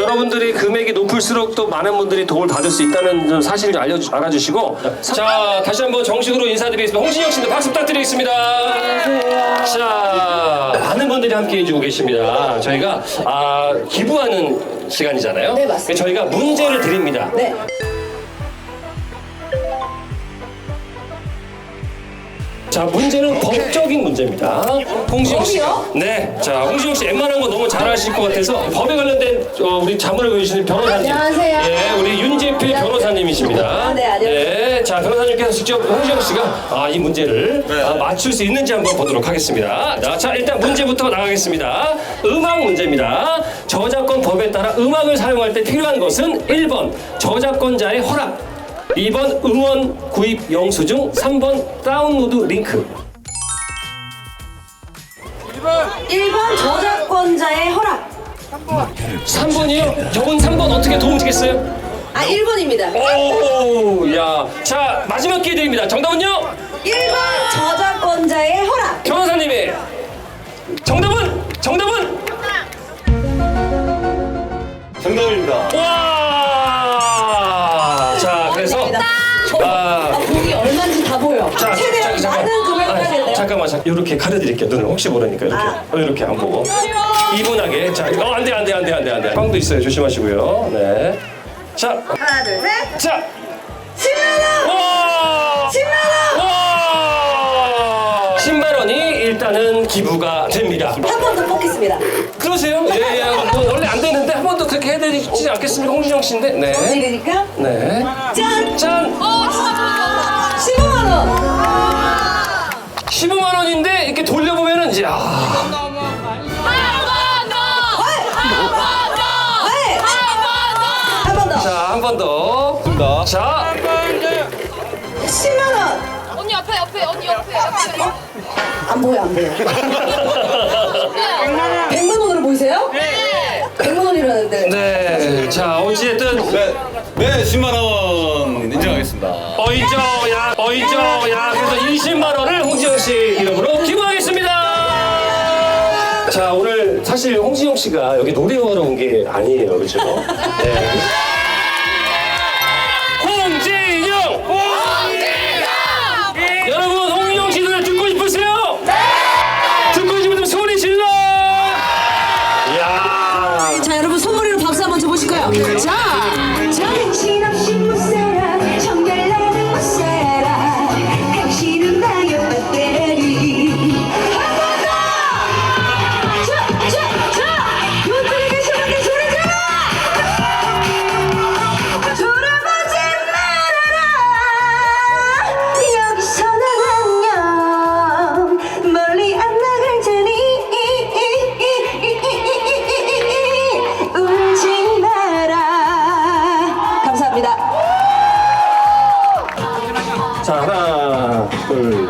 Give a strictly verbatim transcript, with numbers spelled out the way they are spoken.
여러분들이 금액이 높을수록 또 많은 분들이 도움을 받을 수 있다는 사실을 알려 알아주시고 자 다시 한번 정식으로 인사드리겠습니다. 홍진영 씨도 박수 부탁드리겠습니다. 안녕하세요. 자 많은 분들이 함께 해주고 계십니다. 저희가 아, 기부하는 시간이잖아요. 네, 맞습니다. 저희가 문제를 드립니다. 네. 자 문제는 법적인 문제입니다. 홍진영 씨. 법이요? 네. 자 홍진영 씨 웬만한 거 너무 잘 아실 것 같아서 법에 관련된 어, 우리 자문을 보여주시는 변호사님. 안녕하세요. 예, 우리 윤재필 변호사님이십니다. 아, 네, 안녕하세요. 네, 자 변호사님께서 직접 홍진영 씨가 아, 이 문제를 아, 맞출 수 있는지 한번 보도록 하겠습니다. 자, 자 일단 문제부터 나가겠습니다. 음악 문제입니다. 저작권 법에 따라 음악을 사용할 때 필요한 것은 일 번 저작권자의 허락, 이 번 음원 구입 영수증, 삼 번 다운로드 링크. 일 번 저작권자의 허락. 삼 번이요? 저분 삼 번 어떻게 도움 주겠어요? 아, 일 번입니다. 오, 야. 자, 마지막 기회 드립니다. 정답은요? 일 번 저작권자의 허락. 변호사님이 정답은? 정답은? 정답입니다. 와! 자, 그래서 아, 아, 보기 얼마인지 다 보여. 자, 최대한 자, 많은 금액을 아, 하겠네요. 잠깐만, 잠깐. 이렇게 가려드릴게요. 눈을 혹시 모르니까 이렇게. 아. 어, 이렇게 안 보고. 이분하게. 자, 어, 안 돼, 안 돼, 안 돼, 안 돼, 안 돼. 빵도 있어요. 조심하시고요. 네. 자, 하나, 둘, 셋. 자. 십만 원! 와! 십만 원! 와! 십만 원이 일단은 기부가 됩니다. 한 번 더 뽑겠습니다. 그러세요? 예, 예. 뭐 원래 안 되는데 한 번 더 그렇게 해드리지 않겠습니까? 홍진영 씨인데. 네. 드리니까 네. 짠! 짠! 십오만 원! 십오만 원인데 이렇게 돌려보면은 이제 아. 네! 한 번 더! 자, 한 번 더. 자, 십만 원! 언니 옆에 옆에 언니 옆에 옆에 안 보여, 안 보여. 백만 원으로 보이세요? 네. 백만 원이라는데. 네. 자, 어찌됐든 네, 네, 십만 원 인정하겠습니다. 어이죠, 야, 어이죠, 야. 그래서 이십만 원을 홍진영 씨 이름으로 기부하겠습니다. 자, 오늘 사실 홍진영 씨가 여기 노래하러 온 게 아니에요, 그렇죠? 네. 홍진영! 홍진영! 여러분, 홍진영 씨 노래 듣고 싶으세요? 네! 듣고 싶으면 소리 질러! 이야. 자, 여러분 손머리로 박수 한번 쳐보실까요? 자, 자. 정신없이 못 살아 정결나는 못 살아 당신은 나의 배터리 한번더 자, 자, 자 요들이 계신 분들 소리 질러 돌아보지 말아라 여기서 난 안녕 멀리 안 나갈 테니 울지 마라 감사합니다. 자, 하나, 둘,